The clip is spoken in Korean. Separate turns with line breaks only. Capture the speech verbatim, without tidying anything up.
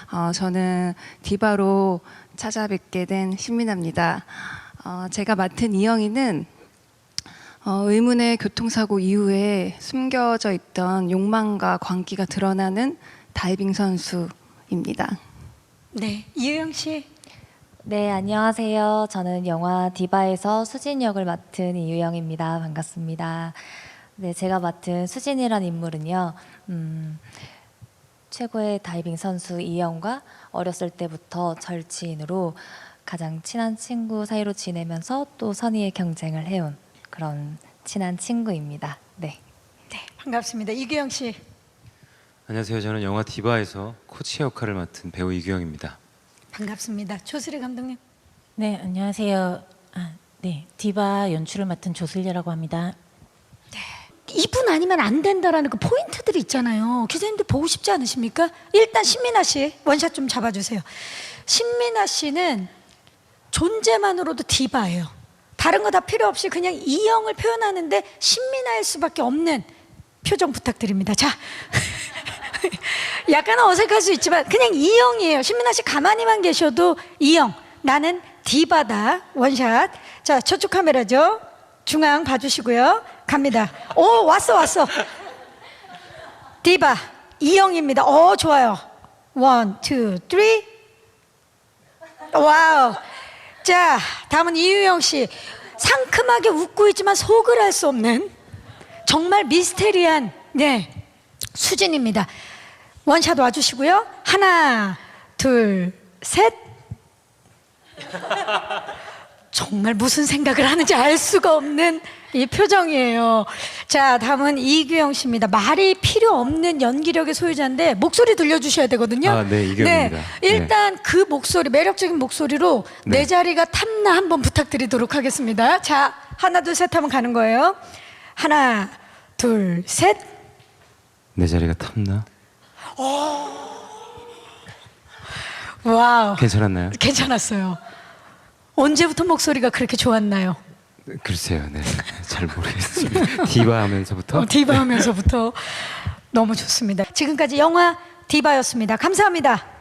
어, 저는 디바로 찾아뵙게 된 신민아입니다. 어, 제가 맡은 이영희는 어, 의문의 교통사고 이후에 숨겨져 있던 욕망과 광기가 드러나는 다이빙 선수입니다.
네, 이유영 씨.
네, 안녕하세요. 저는 영화 디바에서 수진 역을 맡은 이유영입니다. 반갑습니다. 네, 제가 맡은 수진이란 인물은요, 음, 최고의 다이빙 선수 이영과 어렸을 때부터 절친으로 가장 친한 친구 사이로 지내면서 또 선의의 경쟁을 해온 그런 친한 친구입니다. 네.
네, 반갑습니다. 이규영 씨.
안녕하세요. 저는 영화 디바에서 코치 역할을 맡은 배우 이규영입니다.
반갑습니다. 조슬희 감독님.
네, 안녕하세요. 아, 네, 디바 연출을 맡은 조슬리라고 합니다.
이분 아니면 안 된다라는 그 포인트들이 있잖아요. 기자님들 보고 싶지 않으십니까? 일단 신민아 씨 원샷 좀 잡아주세요. 신민아 씨는 존재만으로도 디바예요. 다른 거 다 필요 없이 그냥 이영을 표현하는데 신민아일 수밖에 없는 표정 부탁드립니다. 자, 약간 어색할 수 있지만 그냥 이영이에요. 신민아 씨 가만히만 계셔도 이영, 나는 디바다. 원샷. 자, 저쪽 카메라죠. 중앙 봐주시고요. 갑니다. 오, 왔어 왔어. 디바 이영입니다. 오, 좋아요. 원, 투, 쓰리. 와우. 자, 다음은 이유영 씨. 상큼하게 웃고 있지만 속을 알 수 없는 정말 미스테리한 네 수진입니다. 원샷 와주시고요. 하나, 둘, 셋. 정말 무슨 생각을 하는지 알 수가 없는 이 표정이에요. 자, 다음은 이규영 씨입니다. 말이 필요 없는 연기력의 소유자인데 목소리 들려주셔야 되거든요.
아, 네, 이규영입니다.
네, 일단 그 목소리, 매력적인 목소리로
네.
내 자리가 탐나 한번 부탁드리도록 하겠습니다. 자, 하나, 둘, 셋 하면 가는 거예요. 하나, 둘, 셋.
내 자리가 탐나?
와우.
괜찮았나요?
괜찮았어요. 언제부터 목소리가 그렇게 좋았나요?
글쎄요, 네, 잘 모르겠습니다. 디바 하면서부터.
어, 디바 하면서부터 너무 좋습니다. 지금까지 영화 디바였습니다. 감사합니다.